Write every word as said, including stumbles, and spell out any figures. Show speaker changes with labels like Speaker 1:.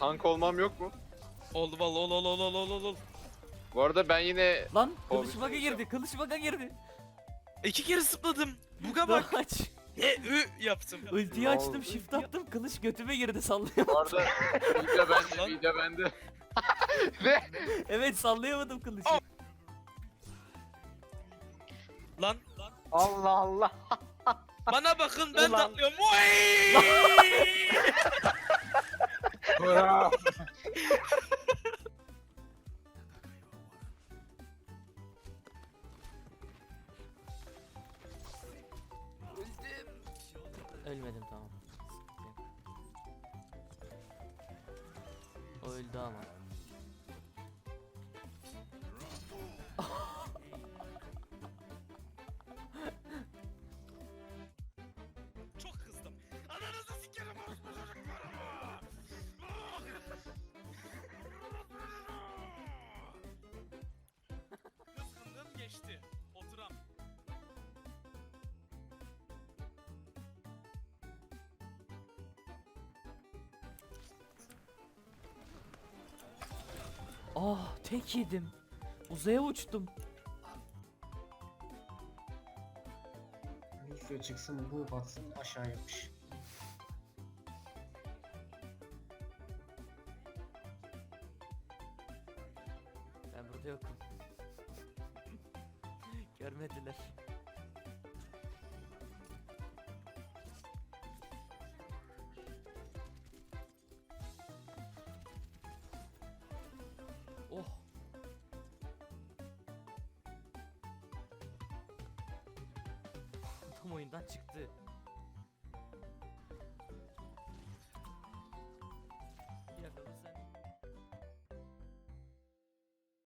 Speaker 1: tank olmam yok mu?
Speaker 2: Oldu vallahi ol ol ol ol ol ol ol.
Speaker 1: Bu arada ben yine
Speaker 3: Lan
Speaker 1: O
Speaker 3: kılıç
Speaker 1: bir
Speaker 3: baka
Speaker 1: şey
Speaker 3: girdi. Kılıç baka girdi.
Speaker 2: İki kere zıpladım. Buga
Speaker 3: Daha
Speaker 2: bak.
Speaker 3: aç.
Speaker 2: E ü yaptım.
Speaker 3: Ultiyi
Speaker 1: Ne
Speaker 3: açtım,
Speaker 1: oldu?
Speaker 3: shift attım, kılıç götüme girdi, sallayamadım.
Speaker 1: bu arada video bende,
Speaker 2: Lan.
Speaker 1: video bende. Ne?
Speaker 3: Evet, sallayamadım kılıcı.
Speaker 2: Aa! Lan. Lan.
Speaker 1: Allah Allah.
Speaker 2: Bana bakın ben
Speaker 1: Ulan.
Speaker 2: atlıyorum. Oy!
Speaker 3: Ölmedim, tamam. O öldü ama.
Speaker 2: Çok kızdım. Ananızı sikerim orospu çocuklarımı. Kızgınlığım geçti. Oturam.
Speaker 3: Ah, tek yedim. Uzaya uçtum.
Speaker 4: Lucio çıksın, bu batsın, aşağı yapış.
Speaker 3: Ben burada yokum. Görmediler. Oh. Tam oyundan çıktı.